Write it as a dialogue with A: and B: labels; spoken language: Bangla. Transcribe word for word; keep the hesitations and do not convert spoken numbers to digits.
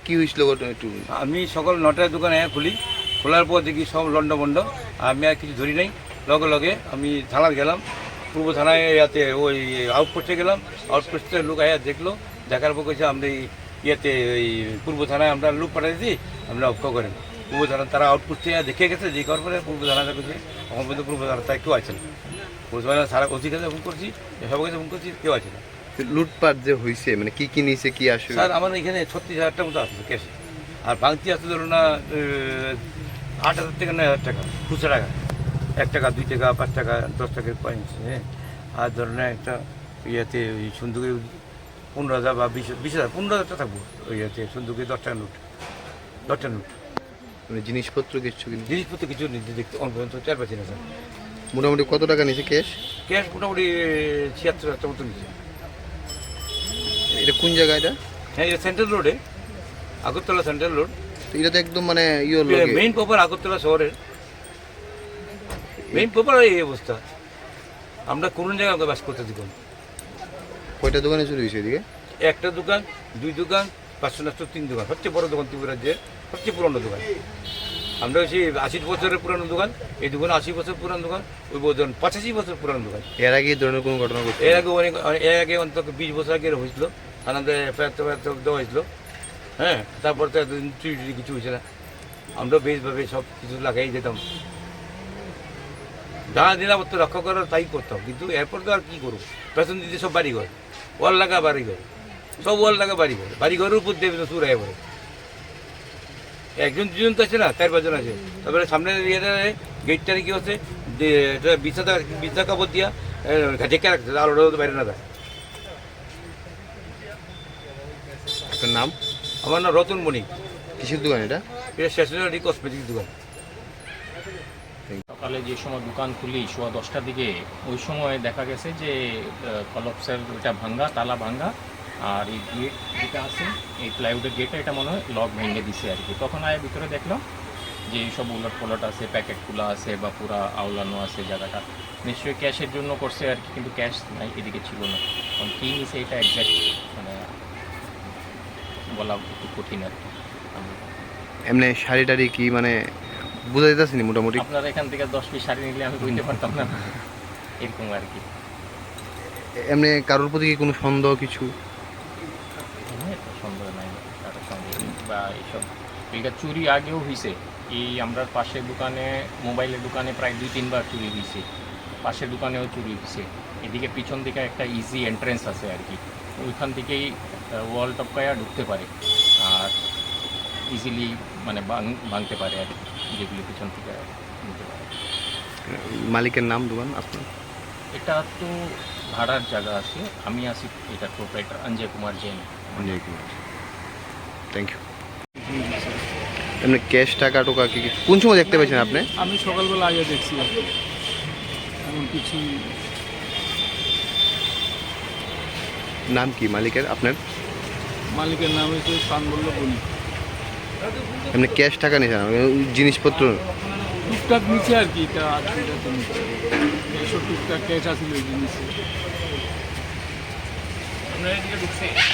A: কি হয়েছিল একটু?
B: আমি সকাল নটায় দোকানে খুলি, খোলার পর দেখি সব লন্ডভন্ড। আমি আর কিছু ধরি নাই, লগে লগে আমি থানার গেলাম, পূর্ব থানায় ইয়াতে ওই আউটপোস্টে গেলাম। আউটপোস্টের লোক আয়া দেখলো, দেখার পর কেছে আমরা এই ইয়েতে ওই পূর্ব থানায় আমরা লোক পাঠাইছি, আমরা অক্ষ করেন পূর্ব থানা। তারা আউটপোস্টে দেখে গেছে, যে করার পরে পূর্ব থানা দেখেছে। এখন পর্যন্ত পূর্ব থানা তাই কেউ আছে না। পূর্ব থানা সারা ওসি কাছে ফোন করছি, সবার কাছে ফোন করছি, কেউ আছে না।
A: লুটপাট যে হয়েছে মানে কি কি নিয়েছে কি আসে?
B: স্যার আমার এখানে ছত্রিশ হাজার টাকা মতো আসছে ক্যাশে, আর ভাঙতি আসতে ধরুন না আট হাজার থেকে নয় হাজার টাকা খুচরা টাকা, এক টাকা দুই টাকা পাঁচ টাকা দশ টাকার পয়েন্ট। হ্যাঁ, আর ধরুন একটা ইয়েতে ওই সন্দুকে পনেরো হাজার বা বিশ বিশ হাজার পনেরো হাজার টাকা থাকবো ওই ইয়েতে সন্দুকে দশ টাকা নোট, দশ টাকা নোট।
A: মানে জিনিসপত্র কিছু কিন্তু
B: জিনিসপত্র কিছু নিতে দেখতে অন পর্যন্ত চার পাচ্ছি না স্যার।
A: মোটামুটি কত টাকা নিয়েছে ক্যাশ?
B: ক্যাশ মোটামুটি ছিয়াত্তর হাজার টাকা মতো নিচ্ছে।
A: এটা কোন জায়গা এটা?
B: হ্যাঁ, এটা সেন্ট্রাল রোডে, আগরতলা সেন্ট্রাল রোড।
A: এটা তো একদম মানে ইয়ে
B: মেইন প্রপার আগরতলা শহরের মেইন প্রপার এই অবস্থা। আমরা কোন জায়গায় ওকে বাস করতে দিব?
A: কয়টা দোকানে চুরি হয়েছে এদিকে?
B: একটা দোকান, দুই দোকান, পাঁচশো নাচশো তিন দোকান, সবচেয়ে বড় দোকান ত্রিপুরা রাজ্যের সবচেয়ে পুরনো দোকান। আমরা হচ্ছে আশি বছরের পুরানো দোকান, এই দোকান আশি বছর পুরানো দোকান, ওই দোকান পঁচাশি বছর পুরানো দোকান।
A: এর আগে এই ধরনের কোনো ঘটনা ঘটছে?
B: এর আগে অনেক এর আগে অন্তত বিশ বছর আগে হয়েছিল, আমাদের এফআইআর টেফআইআর দেওয়া হয়েছিল। হ্যাঁ, তারপর তো এতদিন চুরি টুরি কিছু হয়েছে না। আমরা বেশভাবে সব কিছু লাগাই যেতাম, যা নিরাপত্তা রক্ষা করার তাই করতাম। কিন্তু এরপর তো আর কী করবো, পেছন দিতে সব বাড়িঘর, ওয়াল লাগা বাড়িঘর, সব ওয়াল লাগা বাড়িঘর, বাড়িঘরের উপর দেবে তো চুরাই পড়ে। একজন দুজন তো আছে না, চার পাঁচজন আছে। তারপরে সামনের ইয়েটা গেটটারে কি হচ্ছে, এটা বিছাদা বিছনা কাপড় দিয়া ঢেকে রাখছে, আলোটা তো বাইরে না যায়।
A: আপনার নাম?
B: আমার নাম রতন মণিক।
A: কিসের দোকান এটা?
B: এটা স্টেশনারি কসমেটিক দোকান।
C: সকালে যে সময় দোকান খুলি সোয়া দশটার দিকে, ওই সময় দেখা গেছে যে কলপসের ওইটা ভাঙ্গা, তালা ভাঙ্গা, আর এই গেট যেটা আছে এই প্লাইউডের গেটটা, এটা মনে হয় লক ভেঙে দিছে আর কি। তখন আয় ভিতরে দেখলাম যে এইসব উলট পলট আছে, প্যাকেটগুলো আছে বা পুরা আওলানো আছে জায়গাটা। নিশ্চয়ই ক্যাশের জন্য করছে আর কি, কিন্তু ক্যাশ নাই, এদিকে ছিল না। কারণ কী নিছে এটা একজ্যাক্ট মানে বলা একটু কঠিন আর কি।
A: এমনি শাড়ি টাড়ি কি মানে বোঝা যেতেছে না মোটামুটি?
C: আপনার এখান থেকে দশ পিস শাড়ি নিলে আমি বুঝতে পারতাম না, এরকম আর কি।
A: এমনি কারোর প্রতি কি কোনো সন্দেহ কিছু?
C: সন্দেহ নাই কারোর সঙ্গে, বা এইসব এটা চুরি আগেও হয়েছে। এই আমরা পাশের দোকানে, মোবাইলের দোকানে প্রায় দুই তিনবার চুরি হয়েছে, পাশের দোকানেও চুরি হয়েছে। এদিকে পিছন দিকে একটা ইজি এন্ট্রেন্স আছে আর কি, ওইখান থেকেই ওয়াল টপকায়া ঢুকতে পারে আর ইজিলি মানে ভাঙতে পারে আর কি, যেগুলি পিছন থেকে নিতে পারে।
A: মালিকের নাম দোকান আপনার?
C: এটা তো ভাড়ার জায়গা আছে, আমি আছি এটার proprietor Anjay Kumar Jain.
A: Anjay Kumar, thank you. এমনি ক্যাশ টাকা টোকা কি কি কোন সময় দেখতে পেয়েছেন আপনি?
D: আমি সকালবেলা আগে দেখছি, এমন কিছু।
A: নাম কি মালিকের আপনার?
D: মালিকের নাম হচ্ছে সানবল্লভ বণিক।
A: এমনি ক্যাশ টাকা নিয়েছেন জিনিসপত্র?
D: টুকটাক নিচে আর কি, এটা আর কি এটা তো নিচে এসব টুকটাক ক্যাশ আসলে জিনিস।